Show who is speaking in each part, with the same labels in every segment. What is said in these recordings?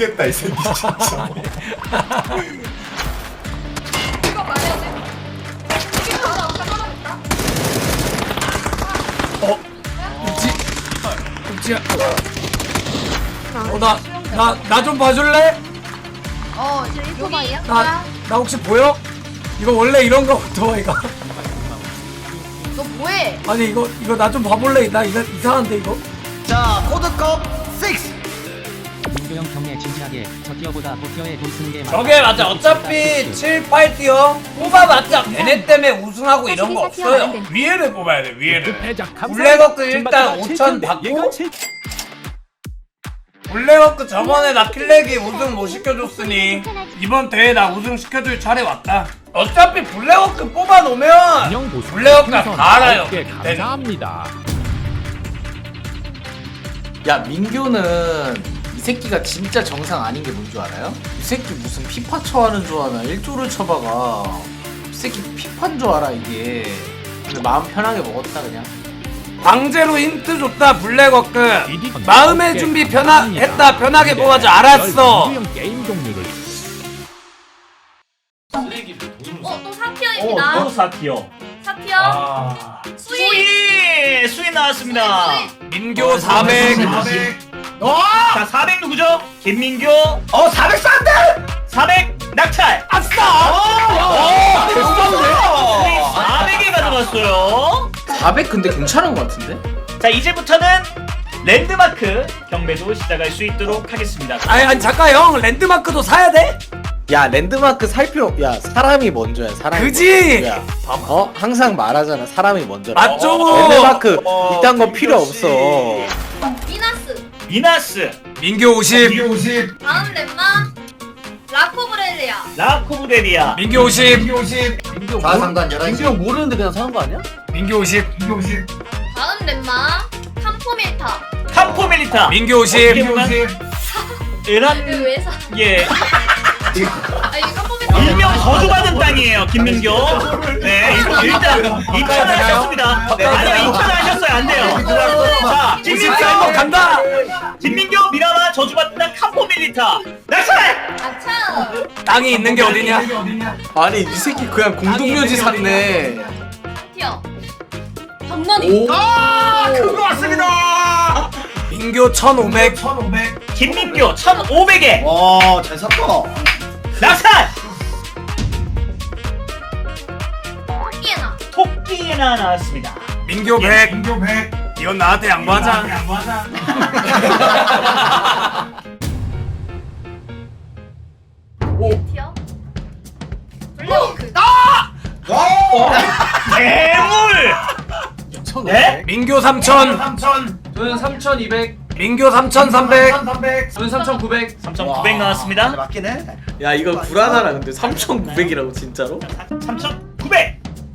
Speaker 1: 미치겠다 이 새끼 진짜.
Speaker 2: 이거 말해야 돼. 이게 하나 없다 떨어졌다.
Speaker 3: 읍지야. 나 좀 봐줄래?
Speaker 2: 오토바이야?
Speaker 3: 나 혹시 보여? 이거 원래 이런 거 오토바이가.
Speaker 2: 너 뭐해?
Speaker 3: 아니 이거 나 좀 봐볼래? 나 이상한데 이거.
Speaker 1: 자 코드컵 6.
Speaker 4: 민규형 경례 진지하게 저 티어보다 고티어에 돈 쓰는 게
Speaker 3: 저게 맞아. 어차피 7, 8티어 뽑아봤자 걔네 때문에 우승하고 이런 거 없어요. 위에를 뽑아야 돼. 위에를. 블랙워크 일단 5천 받고. 블랙워크 저번에 나 킬렉이 우승 못 시켜줬으니 이번 대회 나 우승 시켜줄 차례 왔다. 어차피 블랙워크 뽑아놓으면 블랙워크가 다 알아요.
Speaker 5: 감사합니다.
Speaker 6: 야 민규는 이 새끼가 진짜 정상 아닌 게 뭔 줄 알아요? 이 새끼 무슨 피파 쳐하는 줄 아나 1조를 쳐봐가 이 새끼 피파인 줄 알아 이게. 근데 마음 편하게 먹었다 그냥.
Speaker 3: 강제로 힌트 줬다. 블랙워크 마음의 준비 했다. 편하게 뽑아줘. 알았어.
Speaker 5: 민규형 게임 종류를
Speaker 2: 또 사티어입니다.
Speaker 7: 또 4티어.
Speaker 2: 사티어.
Speaker 7: 수위 나왔습니다.
Speaker 3: 민교 400.
Speaker 7: 자, 400 누구죠? 김민교.
Speaker 1: 400 싼데?
Speaker 7: 400 낙찰.
Speaker 3: 아싸.
Speaker 7: 400에 가져갔어요.
Speaker 6: 400 근데 괜찮은 것 같은데?
Speaker 7: 자, 이제부터는 랜드마크 경매도 시작할 수 있도록 하겠습니다.
Speaker 3: 아니 잠깐 형 랜드마크도 사야 돼?
Speaker 6: 야 랜드마크 살 필요. 야 사람이 먼저야. 사람이
Speaker 3: 그지?
Speaker 6: 먼저야. 항상 말하잖아. 사람이 먼저.
Speaker 3: 맞죠?
Speaker 6: 랜드마크 이딴 거 필요 없어.
Speaker 2: 미나스.
Speaker 7: 미나스.
Speaker 3: 민교 50.
Speaker 2: 다음 렘마. 라코브렐리아.
Speaker 7: 라코브레리아.
Speaker 3: 민교 50.
Speaker 6: 민규
Speaker 1: 가상단 11시.
Speaker 6: 민규 형 모르는데 그냥 사는 거 아니야?
Speaker 3: 민교 50.
Speaker 2: 다음 렘마. 캄포밀타.
Speaker 7: 캄포밀리타.
Speaker 3: 민교 50.
Speaker 7: 이런
Speaker 2: 이거 왜 사?
Speaker 7: 예
Speaker 2: 이게 캄포밀타.
Speaker 7: 일명 거주받은 땅이에요, 김민교. 네, 일단 2천 하셨습니다. 아니요, 2천 하셨어요, 안 돼요. 자,
Speaker 3: 53번 간다.
Speaker 7: 김민교 미라마 저주받은 땅 캄포밀리타. 낙찰.
Speaker 2: 아차.
Speaker 3: 땅이 있는 게 어디냐?
Speaker 6: 아니 이 새끼 그냥 공동묘지 샀네.
Speaker 2: 사티어. 장난이.
Speaker 7: 그거 왔습니다.
Speaker 3: 민교 1500.
Speaker 7: 김민교 1,500에
Speaker 1: 와잘 샀다.
Speaker 7: 낙찰.
Speaker 2: 토끼에나.
Speaker 7: 토끼나 나왔습니다.
Speaker 3: 민교 100. 이건 나한테 양보하자.
Speaker 2: 티어. 블랙워크.
Speaker 7: 괴물. 네?
Speaker 3: 민교 3000.
Speaker 6: 저는 3,200.
Speaker 3: 민교 3300.
Speaker 6: 저는 3,900.
Speaker 7: 3,900 나왔습니다.
Speaker 1: 맞긴 해.
Speaker 6: 야 이거 불안하다 근데 3,900이라고 진짜로?
Speaker 7: 3,900.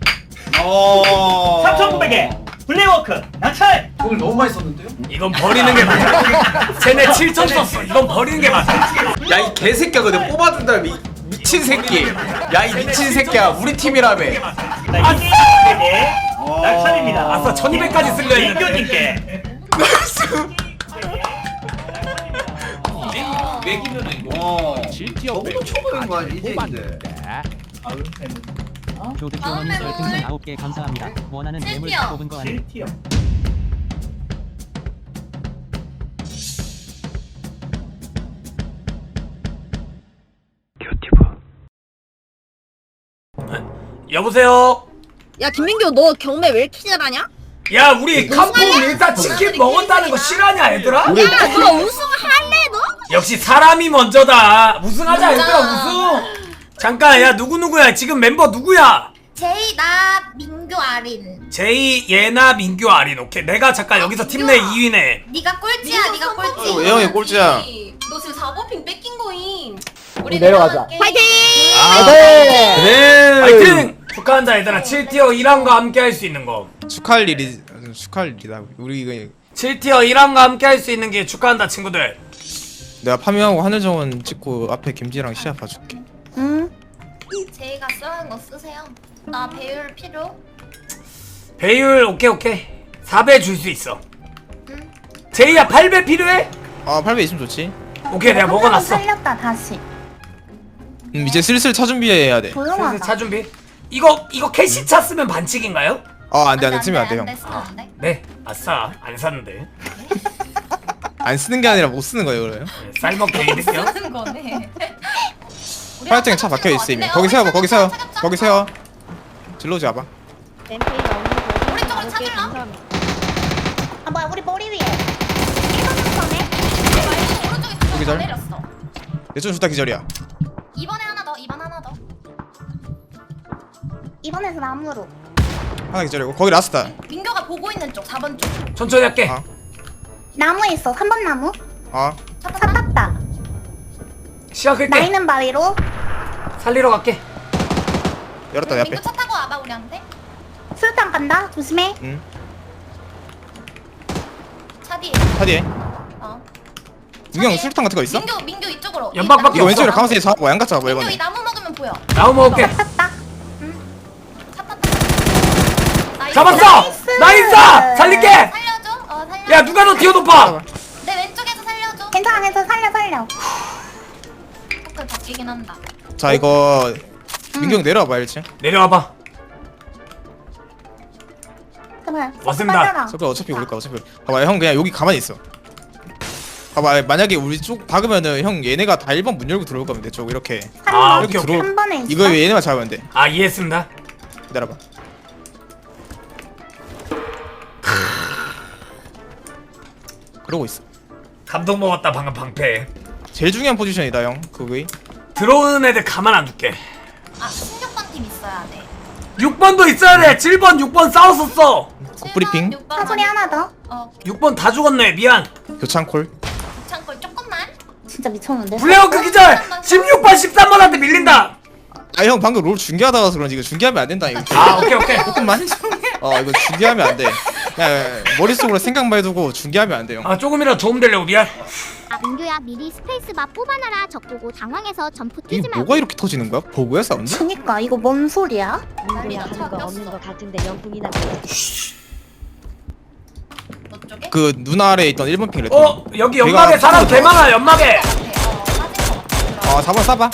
Speaker 1: 어.
Speaker 7: 3,900에 블랙워크 낙찰.
Speaker 6: 돈을 너무 많이 썼는데요?
Speaker 3: 이건 버리는 게 맞아. 쟤네 7000 썼어. 이건 버리는 게 맞아.
Speaker 6: 야 이 개새끼야 근데 뽑아준다 미친 새끼. 야 이 미친 새끼야 우리 팀이라며.
Speaker 7: 자, 2,200에 낙찰입니다.
Speaker 3: 아싸 1200까지 쓸려 했는데.
Speaker 7: 민교님께.
Speaker 5: GTO
Speaker 1: 너무 초보인 거 아니야, 이제
Speaker 5: 뽑았는데.
Speaker 4: 조드티어머니 별풍선 9개 감사합니다. 원하는 매물 다 뽑은 거 아니?
Speaker 7: 7티어.
Speaker 3: 여보세요.
Speaker 8: 야 김민규 너 경매 왜 이렇게 잘하냐?
Speaker 3: 야 우리 캄포 밀타 치킨 먹었다는 거 실화냐 얘들아?
Speaker 8: 야 너 우승할래 너?
Speaker 3: 역시 사람이 먼저다. 우승하자 얘들아 우승. 잠깐 야 누구야 지금 member 누구야?
Speaker 2: 제이 나 민규 아린.
Speaker 3: 제이 예나 민규 아린. 오케이 내가 잠깐 여기서 팀 내 2위네.
Speaker 2: 네가 꼴찌야. 네가 꼴찌.
Speaker 1: 예영이 꼴찌야.
Speaker 2: 너 지금 4버핑 뺏긴 거임. 우리
Speaker 8: 내려가자. 파이팅!
Speaker 3: 그래 파이팅! 축하한다 얘들아. 7티어 1함과 함께 할 수 있는 거.
Speaker 9: 축하할 일이다. 우리 이거
Speaker 3: 7티어 1함과 함께 할 수 있는 게 축하한다 친구들.
Speaker 9: 내가 파밍하고 하늘정원 찍고 앞에 김지랑 시합 봐줄게.
Speaker 8: 응?
Speaker 2: 제이가 쓰는 거 쓰세요. 나 배율 필요?
Speaker 3: 배율 오케이 4배 줄 수 있어. 제이야 8배 필요해?
Speaker 9: 아 8배 있으면 좋지.
Speaker 3: 오케이 내가 먹어놨어.
Speaker 2: 살렸다 다시.
Speaker 9: 이제 슬슬 차 준비해야 돼.
Speaker 3: 슬슬
Speaker 2: 조용하다.
Speaker 3: 차 준비. 이거 캐시 차 쓰면 반칙인가요?
Speaker 9: 안돼 쓰면 안돼 형.
Speaker 3: 네. 아싸 안 샀는데.
Speaker 9: 안 쓰는 게 아니라 못 쓰는 거예요 그래요?
Speaker 3: 네, 쌀먹기 이랬어요.
Speaker 2: 쓰는 거네.
Speaker 9: 파이팅에 차 박혀 있어 이미. 거기 세워 거기 세워 거기 세워. 질러지 와봐.
Speaker 8: 램페이 나오는
Speaker 2: 우리 쪽으로 찾을라? 아 뭐야 우리 머리 위에. 오른쪽에
Speaker 9: 여기 절.
Speaker 2: 내렸어.
Speaker 9: 내쪽 좋다 기절이야.
Speaker 2: 2번에 하나 더. 2번 하나 더. 2번에서 나무로.
Speaker 9: 하나 기절이고 거기 라스트다.
Speaker 2: 민교가 보고 있는 쪽 4번 쪽.
Speaker 3: 천천히 할게.
Speaker 9: 아.
Speaker 2: 나무에 있어. 3번 나무. 차 탔다.
Speaker 3: 시작할게.
Speaker 2: 나이는 바위로.
Speaker 3: 살리러 갈게.
Speaker 9: 열었다 내 앞에.
Speaker 2: 민교 차 타고 와봐 우리한테. 수류탄 간다. 조심해.
Speaker 9: 응.
Speaker 2: 차 뒤에.
Speaker 9: 차 뒤에.
Speaker 2: 어.
Speaker 9: 민경 수류탄 같은 거 있어?
Speaker 2: 민교 이쪽으로.
Speaker 3: 연막밖에
Speaker 9: 이거
Speaker 3: 없어.
Speaker 9: 왼쪽으로 가만히 잡고 양각 잡아
Speaker 2: 민교 이
Speaker 9: 이번에.
Speaker 2: 나무 먹으면 보여.
Speaker 3: 나무 먹을게.
Speaker 2: 탔다. 응. 차 탔다. 나이스.
Speaker 3: 잡았어. 나이스. 살릴게.
Speaker 2: 살려줘. 살려.
Speaker 3: 야 누가 너 뒤에 높아.
Speaker 2: 내 왼쪽에서 살려줘. 괜찮아. 살려. 포크 바뀌긴 한다.
Speaker 9: 자 이거 민경 내려와봐 1층.
Speaker 3: 내려와봐.
Speaker 2: 그래.
Speaker 3: 왔습니다.
Speaker 9: 저거 어차피 우리 거 어차피. 봐봐 형 그냥 여기 가만히 있어. 봐봐 만약에 우리 쪽 박으면은 형 얘네가 다 1번 문 열고 들어올 거면 내 쪽 이렇게.
Speaker 3: 아
Speaker 9: 이렇게
Speaker 3: 오케이 오케이.
Speaker 9: 들어올.
Speaker 2: 3번에 있어.
Speaker 9: 이거 얘네만 잡으면 돼.
Speaker 3: 아 이해했습니다.
Speaker 9: 기다려봐. 그러고 있어.
Speaker 3: 감동 먹었다 방금 방패.
Speaker 9: 제일 중요한 포지션이다 형. 그거이.
Speaker 3: 들어오는 애들 가만 안 둘게.
Speaker 2: 16번 팀 있어야 돼.
Speaker 3: 6번도 있어야 돼. 7번 6번 싸웠었어.
Speaker 9: 브리핑.
Speaker 2: 사소리 하나 더.
Speaker 3: 6번 다 죽었네. 미안.
Speaker 9: 교창 콜.
Speaker 2: 창골 조금만. 진짜 미쳤는데.
Speaker 3: 블레어크 기절. 16번 13번한테 밀린다.
Speaker 9: 아 형 방금 롤 중계하다 와서 그런지 이거 중계하면 안 된다 이거.
Speaker 3: 아 오케이.
Speaker 9: 조금만. 이거 중계하면 안 돼. 그냥 머릿속으로 생각만 해두고 중계하면 안 돼 형.
Speaker 3: 아 조금이라도 도움되려고 미안.
Speaker 8: 민규야 미리 스페이스바 뽑아놔라. 적보고 당황해서 점프
Speaker 9: 이게
Speaker 8: 뛰지 말고.
Speaker 9: 뭐가 이렇게 터지는 거야? 버그야 싸운다?
Speaker 2: 그니까 이거 뭔 소리야?
Speaker 8: 민규야 하는 거 없는 거 같은데 영풍이나.
Speaker 2: 너 쪽에?
Speaker 9: 그 눈 아래에 있던 1번 핑 레터.
Speaker 3: 여기 연막에
Speaker 9: 내가
Speaker 3: 사람
Speaker 9: 빠진
Speaker 3: 개
Speaker 9: 거
Speaker 3: 많아. 연막에.
Speaker 2: 빠진 거 같아.
Speaker 9: 4번 쏴봐.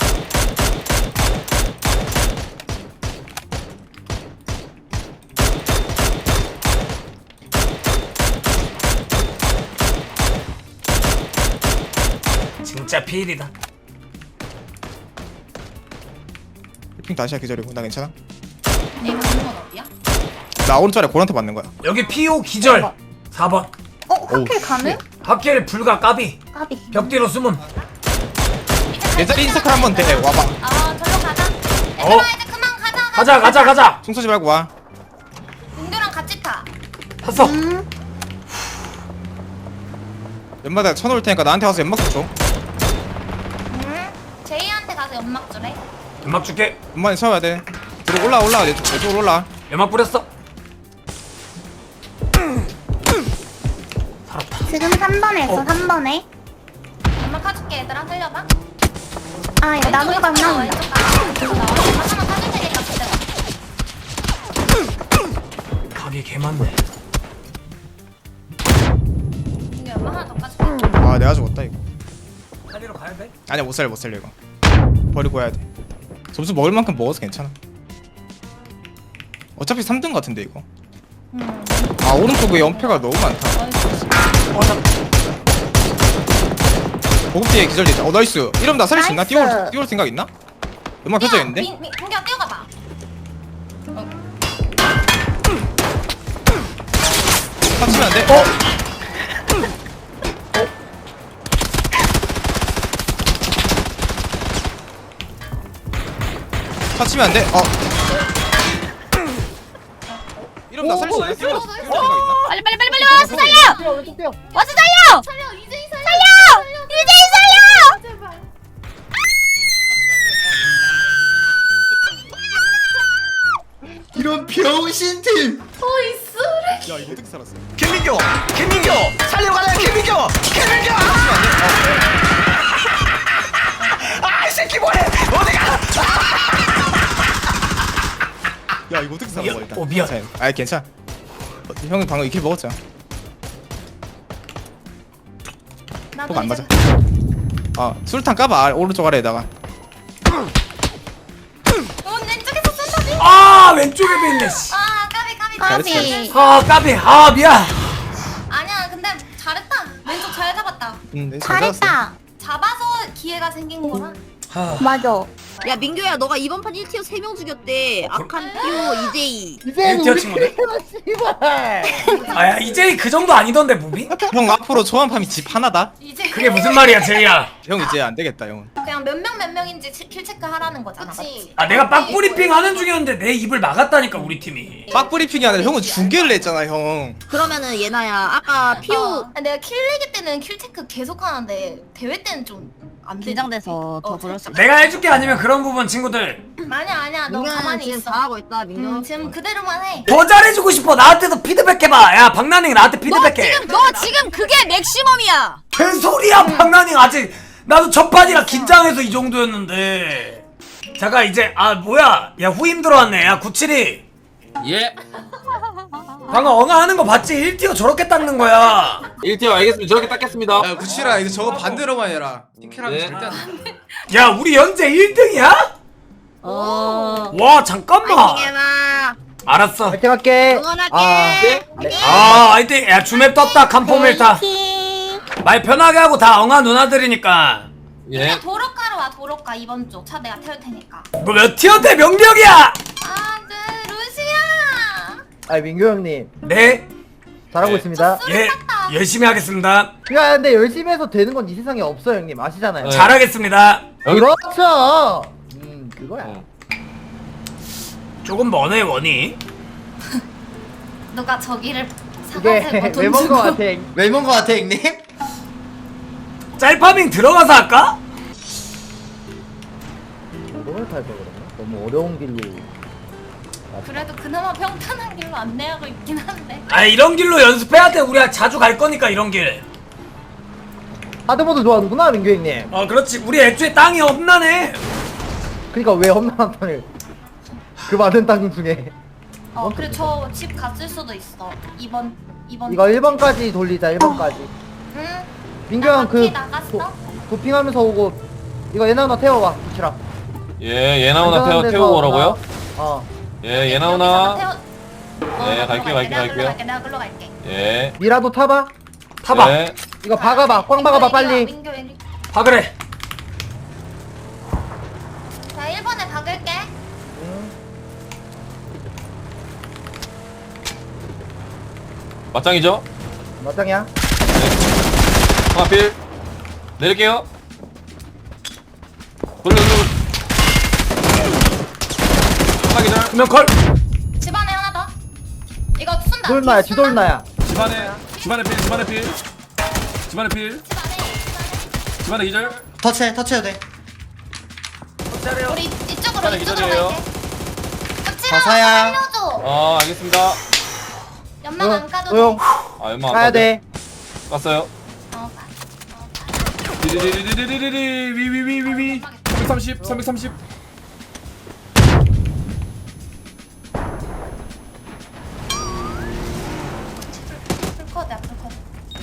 Speaker 3: 진짜 피일이다.
Speaker 9: 핑 다시 기절이고 나 괜찮아?
Speaker 2: 내가 있는 건 어디야?
Speaker 9: 나 오른쪽에 고란테 맞는 거야.
Speaker 3: 여기 피오 기절. 4번.
Speaker 2: 확킬 가능?
Speaker 3: 합길 불가 까비.
Speaker 2: 까비.
Speaker 3: 벽 뒤로 숨음.
Speaker 9: 내 자리 인서클 한번 돼. 와봐.
Speaker 2: 절로 가자.
Speaker 3: 어.
Speaker 2: 이제 그만 가자.
Speaker 3: 가자.
Speaker 9: 총 쏘지 말고 와.
Speaker 2: 민규랑 같이 타.
Speaker 3: 탔어.
Speaker 9: 연마다 쳐놓을 테니까 나한테 와서 연막 좀 줘.
Speaker 2: 제이한테 가서 연막 주래.
Speaker 3: 연막 줄게.
Speaker 9: 연막에 쳐야 돼. 들어 올라 내 쪽으로 올라.
Speaker 3: 연막 뿌렸어.
Speaker 2: 지금 3번에 있어. 3번에. 연막 타줄게 얘들아. 살려봐. 이거 나무가 안 나온다. 하나만 타줄 테니까 기다려.
Speaker 3: 각이 개 많네.
Speaker 2: 민규 연막 하나 더 까줄게.
Speaker 9: 아 내가 죽었다 이거.
Speaker 3: 살리러 가야 돼?
Speaker 9: 아니야 못 살려 이거. 버리고 해야 돼. 점수 먹을 만큼 먹어서 괜찮아. 어차피 3등 같은데 이거. 오른쪽에 연패가 너무 많다. 보급 뒤에 기절 있다. 나이스. 이러면 나 살릴 수 있나?
Speaker 2: 나이스.
Speaker 9: 뛰어올 생각 있나? 연막 펴져있는데?
Speaker 2: 민규야 뛰어가봐.
Speaker 9: 터치면 안 돼? 터치면 안 돼? 이러면 나 살릴 수 있나? 뛰어올 생각 있나?
Speaker 8: 빨리 와서 살려. 와서 살려.
Speaker 2: 살려 이제이 살려.
Speaker 8: 이제이 살려.
Speaker 2: 제발.
Speaker 1: 이런 병신팀.
Speaker 2: 어이 쓰레기.
Speaker 9: 야 이거 어떻게 살았어?
Speaker 1: 김민교 살려 가자 김민교. 이 새끼 뭐해? 어디가?
Speaker 9: 야 이거 어떻게 살았어 일단.
Speaker 3: 미안.
Speaker 9: 아 괜찮아. 형이 방금 이킬 먹었잖아. 폭 안 맞아. 술탄 까봐 오른쪽 아래에다가.
Speaker 2: 왼쪽에서 쏜다지?
Speaker 3: 아 왼쪽에도 있네 씨.
Speaker 2: 아 까비.
Speaker 3: 아 까비. 아 미안.
Speaker 2: 아니야 근데 잘했다. 왼쪽 잘 잡았다.
Speaker 9: 네, 잘 잡았어.
Speaker 2: 잘했다. 잡아서 기회가 생긴 거라.
Speaker 3: 아,
Speaker 2: 맞아.
Speaker 10: 야 민규야 너가 이번 판 1티어 3명 죽였대. 악한 피오 이제이.
Speaker 3: 1티어 친구들. 아야 이제 그 정도 아니던데 무비?
Speaker 9: 형 앞으로 초반팜이 집 하나다.
Speaker 2: 이제
Speaker 3: 그게 무슨 말이야 제이야.
Speaker 9: 형 이제 안 되겠다 형은.
Speaker 2: 그냥 몇 명인지 킬 체크 하라는 거잖아. 맞지?
Speaker 3: 아 내가 빡브리핑 하는 중이었는데 내 입을 막았다니까 우리 팀이.
Speaker 9: 빡브리핑이 아니라 형은 중계를 했잖아 형.
Speaker 10: 그러면은 예나야 아까 피오
Speaker 2: 내가 킬레기 때는 킬 체크 계속 하는데 대회 때는 좀 안 돼.
Speaker 10: 긴장돼서 더 그럴 수.
Speaker 3: 내가 해줄게 아니면 그런 부분 친구들
Speaker 2: 아니야 너
Speaker 10: 민규는
Speaker 2: 가만히
Speaker 10: 지금
Speaker 2: 있어.
Speaker 10: 잘하고 있다 민규.
Speaker 2: 지금 그대로만 해.
Speaker 3: 더 잘해주고 싶어. 나한테도 피드백 해봐. 야 박나닝 나한테 피드백해.
Speaker 10: 너 지금 그게 맥시멈이야.
Speaker 3: 개소리야 박나닝 아직 나도 첫 판이라 긴장해서 이 정도였는데. 잠깐 이제 뭐야 야 후임 들어왔네. 야 972
Speaker 1: 예.
Speaker 3: 방금 엉아 하는 거 봤지? 1티어 저렇게 닦는 거야.
Speaker 1: 1티어 알겠습니다. 저렇게 닦겠습니다.
Speaker 9: 야 구치라 이거 저거 반대로만 해라. 팅캐라면
Speaker 1: 네.
Speaker 9: 절대 안 돼.
Speaker 3: 야 우리 현재 1등이야? 와 잠깐만.
Speaker 10: 예나.
Speaker 3: 알았어.
Speaker 1: 파이팅 할게.
Speaker 10: 응원할게.
Speaker 3: 하여튼 야 주맵 떴다. 캄포밀타 말 편하게 하고 다 엉아 누나들이니까.
Speaker 2: 그냥 도로가로 와 도로가 이번 쪽 차 내가 태울 테니까.
Speaker 3: 너 몇 티어인데 명령이야?
Speaker 2: 네 루시야.
Speaker 1: 아 민규 형님
Speaker 3: 네.
Speaker 1: 잘하고 있습니다.
Speaker 3: 예 열심히 하겠습니다.
Speaker 1: 야 근데 열심히 해서 되는 건 이 세상에 없어 형님 아시잖아요.
Speaker 3: 잘하겠습니다.
Speaker 1: 그렇죠. 그거야.
Speaker 3: 조금 머네 원이.
Speaker 2: 누가 저기를
Speaker 1: 이게
Speaker 2: 사가지고 돈
Speaker 1: 왜먼
Speaker 2: 주고.
Speaker 1: 거 같아. 왜먼 거 같아 형님?
Speaker 3: 짤파밍 들어가서 할까?
Speaker 1: 어려울 탈거 그러나? 너무 어려운 길로.
Speaker 2: 그래도 그나마 평탄한 길로 안내하고 있긴 한데.
Speaker 3: 이런 길로 연습해야 돼. 우리가 자주 갈 거니까 이런 길.
Speaker 1: 하드모드 좋아하는구나 민규 형님.
Speaker 3: 그렇지. 우리 애초에 땅이 없나네.
Speaker 1: 그러니까 왜 험난한 땅을 그 많은 땅 중에
Speaker 2: 그래 저 집 갔을 수도 있어. 이번
Speaker 1: 이거 1번까지 돌리자 1번까지.
Speaker 2: 응.
Speaker 1: 민규 형 그
Speaker 2: 나갔어?
Speaker 1: 도핑하면서 오고 이거 얘나 누나 태워봐 구치라.
Speaker 5: 예, 예나오나 태우고 오라고요? 예, 예나오나. 네, 갈게요.
Speaker 2: 내가 글로 갈게.
Speaker 5: 예.
Speaker 1: 미라도 타봐.
Speaker 3: 타봐.
Speaker 5: 예.
Speaker 1: 이거 박아봐. 꽝 박아봐 빨리.
Speaker 2: 민규 왼.
Speaker 3: 박으래.
Speaker 2: 자 1번에 박을게.
Speaker 5: 맞짱이죠?
Speaker 1: 맞짱이야.
Speaker 5: 하필 내릴게요. 돌려. 하나 기절.
Speaker 3: 두명 컬.
Speaker 2: 집안에 하나 더. 이거 쏜다.
Speaker 1: 돌나야
Speaker 2: 뒤에 쏜다.
Speaker 1: 뒤돌나야.
Speaker 5: 집안에 필. 집안에 기절.
Speaker 1: 터치해도 돼.
Speaker 2: 우리 이쪽으로
Speaker 5: 집안에 기절이에요.
Speaker 2: 갈게.
Speaker 1: 가사야.
Speaker 2: 살려줘.
Speaker 5: 알겠습니다.
Speaker 2: 연막 안 까도
Speaker 1: 조용.
Speaker 2: 돼.
Speaker 5: 연마
Speaker 1: 가야 돼.
Speaker 5: 깠어요.
Speaker 2: 가.
Speaker 5: 디디디디디디디디 위위위위위 330.
Speaker 2: 풀코드야 풀코드.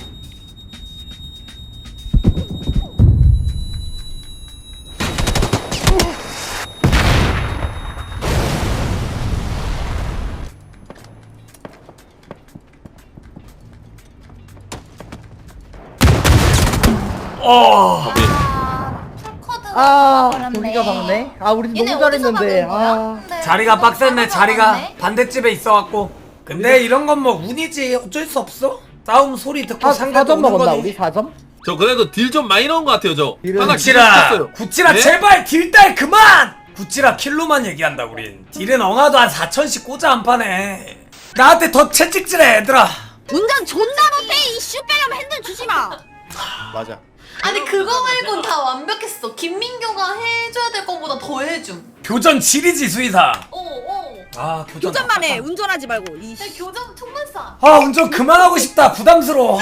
Speaker 2: 풀코드가
Speaker 1: 동기가 박네. 우리
Speaker 2: 얘네
Speaker 1: 너무 잘했는데.
Speaker 2: 어디서 박은 거야?
Speaker 3: 자리가 빡셌네. 자리가
Speaker 2: 박았네.
Speaker 3: 반대집에 있어갖고. 근데 이런 건 뭐 운이지. 어쩔 수 없어. 싸움 소리 듣고 상대도
Speaker 1: 4점
Speaker 3: 오는
Speaker 1: 먹었나
Speaker 3: 거지.
Speaker 1: 우리 4점?
Speaker 5: 저 그래도 딜 좀 많이 넣은 것 같아요 저. 하나
Speaker 3: 구치라 구치라
Speaker 5: 네?
Speaker 3: 제발 딜달 그만. 구치라 킬로만 얘기한다 우린. 딜은 엉아도 한 4천씩 꽂아 한 판에. 나한테 더 채찍질해 얘들아.
Speaker 10: 운전 존나 못해. 이슈 빼려면 핸들 주지 마.
Speaker 9: 맞아.
Speaker 11: 아니 그거 말곤 다 완벽했어. 김민교가 해줘야 될 거보다 더 해줌.
Speaker 3: 교전 지리지 수의사. 교전
Speaker 10: 교전만 해. 운전하지 말고.
Speaker 11: 교정 총만 쏴.
Speaker 3: 운전 그만하고 싶다. 부담스러워.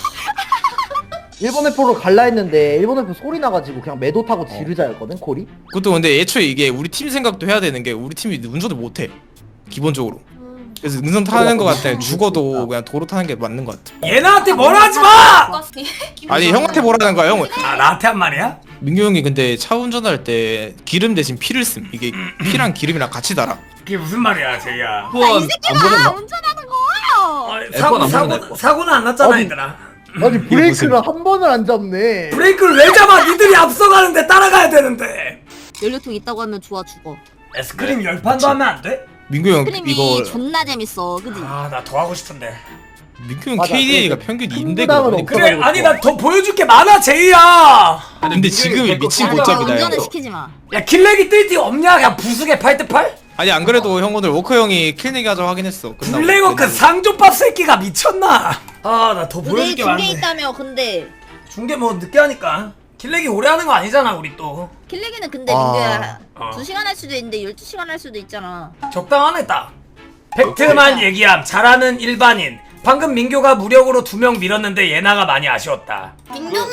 Speaker 1: 일본 F로 갈라 했는데 일본 F 소리 나가지고 그냥 매도 타고 지르자였거든 콜이.
Speaker 9: 그것도 근데 애초에 이게 우리 팀 생각도 해야 되는 게 우리 팀이 운전을 못해 기본적으로. 그래서 능선 타는 거 같아. 죽어도 그냥 도로 타는 게 맞는 거 같아.
Speaker 3: 얘나한테 뭐라 하지 마.
Speaker 9: 아니 형한테 뭐라는 거야 형은.
Speaker 3: 나한테 한 말이야?
Speaker 9: 민규 형이 근데 차 운전할 때 기름 대신 피를 씀. 이게 피랑 기름이랑 같이 달아.
Speaker 3: 그게 무슨 말이야 제이야.
Speaker 5: F1 안 보냈나?
Speaker 10: 운전하는 거.
Speaker 3: 사고는 안 났잖아 얘들아.
Speaker 1: 아니 브레이크를 한 번을 안 잡네.
Speaker 3: 브레이크를 왜 잡아? 니들이 앞서가는데 따라가야 되는데.
Speaker 10: 연료통 있다고 하면 좋아 죽어.
Speaker 3: 에스크림 10판도 하면 안 돼?
Speaker 9: 민규 형
Speaker 10: 크림이
Speaker 9: 이거
Speaker 10: 존나 재밌어, 그지?
Speaker 3: 아 나 더 하고 싶은데.
Speaker 9: 민규 형
Speaker 1: 맞아,
Speaker 9: KDA가
Speaker 1: 그
Speaker 9: 평균
Speaker 1: 큰
Speaker 9: 2인데
Speaker 1: 부담은 없어.
Speaker 3: 그래 아니 나 더 보여줄 게 많아 제이야.
Speaker 9: 근데 지금이 미친
Speaker 10: 아니,
Speaker 9: 고짝이다 형.
Speaker 10: 운전을 시키지 마.
Speaker 3: 야 킬렉이 뜰 티 없냐? 그냥 부수게 8대8?
Speaker 9: 아니 안 그래도 형 오늘 워커 형이 킬내기 하자고 하긴 했어. 끝나고.
Speaker 3: 블랙워크 상조밥 새끼가 미쳤나? 아 나 더 보여줄
Speaker 10: 내일
Speaker 3: 게
Speaker 10: 중계
Speaker 3: 많은데.
Speaker 10: 있다며, 근데.
Speaker 3: 중계 뭐 늦게 하니까. 킬렉이 오래 하는 거 아니잖아 우리 또.
Speaker 10: 킬레기는 근데
Speaker 9: 아.
Speaker 10: 민규야,
Speaker 3: 어.
Speaker 10: 2시간 할 수도 있는데 12시간 할 수도 있잖아.
Speaker 3: 적당하네 딱. 팩트만 얘기함. 잘하는 일반인. 방금 민교가 무력으로 2명 밀었는데 예나가 많이 아쉬웠다.
Speaker 11: 민규님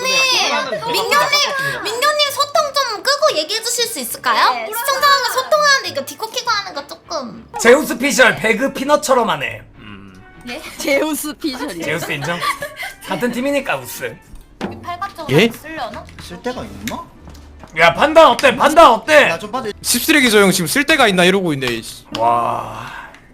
Speaker 11: 소통 좀 끄고 얘기해 주실 수 있을까요? 시청자랑 소통하는데 이거 디코 키고 하는 거 조금.
Speaker 3: 제우스 피셜 배그 피넛처럼 하네.
Speaker 10: 제우스 피셜이.
Speaker 3: 제우스 인정? 같은 팀이니까 우스.
Speaker 11: 팔각적으로
Speaker 9: 예?
Speaker 11: 쓰려나?
Speaker 1: 쓸 데가 있나?
Speaker 3: 야 판단 어때? 판단 어때?
Speaker 1: 좀 봐도
Speaker 9: 씹쓰레기 저 형 지금 쓸 데가 있나 이러고 있네. 씨.
Speaker 3: 와.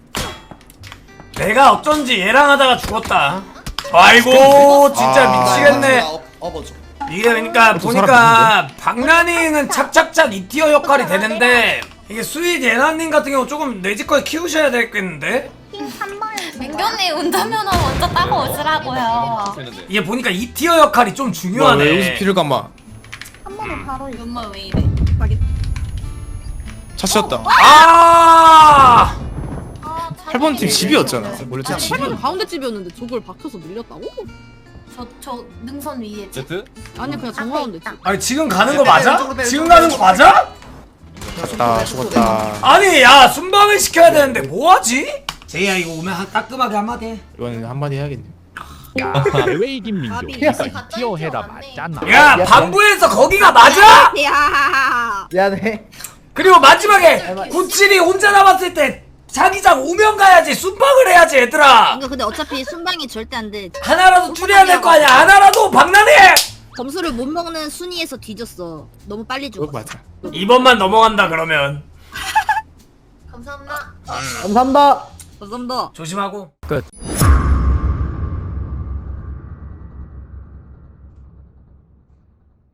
Speaker 3: 내가 어쩐지 얘랑 하다가 죽었다. 아이고 진짜 미치겠네. 이게 그러니까 보니까 박나닝은 착착착 2티어 역할이 되는데 이게 수익 예나님 같은 경우 조금 내지껏 키우셔야 되겠는데?
Speaker 11: 민규님 운전면허 먼저 따고 오시라고요.
Speaker 3: 이게 보니까 2티어 역할이 좀
Speaker 9: 뭐야,
Speaker 3: 중요하네.
Speaker 9: 왜 여기서 피를 감아?
Speaker 11: 정말 왜 이래?
Speaker 9: 차 치웠다.
Speaker 3: 아!
Speaker 9: 8번 팀 집이었잖아. 원래 저 집이.
Speaker 10: 가운데 집이었는데 저걸 박혀서 밀렸다고?
Speaker 11: 저 능선 위에.
Speaker 5: Z?
Speaker 10: 아니 그냥 정가운데 집.
Speaker 3: 아니 지금 가는 거 맞아? 지금 가는 거 맞아?
Speaker 9: 죽었다.
Speaker 3: 아니 야 순방을 시켜야 되는데 뭐하지? 제이야 이거 오면 따끔하게 한마디 해.
Speaker 9: 이번엔 한마디 해야겠네.
Speaker 7: 왜 이긴 민규?
Speaker 11: 티어 해라 맞잖아.
Speaker 3: 야 반부에서 거기가 맞아?
Speaker 10: 야.
Speaker 1: 미안해.
Speaker 3: 그리고 마지막에 97이 혼자 남았을 때 자기장 오면 가야지 순방을 해야지 얘들아.
Speaker 10: 이거 근데 어차피 순방이 절대 안 돼.
Speaker 3: 하나라도 줄여야 될 거 아니야. 하나라도 박나네.
Speaker 10: 점수를 못 먹는 순위에서 뒤졌어. 너무 빨리
Speaker 9: 그거
Speaker 10: 죽었어.
Speaker 9: 맞아.
Speaker 3: 2번만 넘어간다 그러면
Speaker 11: 감사합니다.
Speaker 1: 감사합니다.
Speaker 10: 감사합니다.
Speaker 3: 조심하고.
Speaker 7: 끝.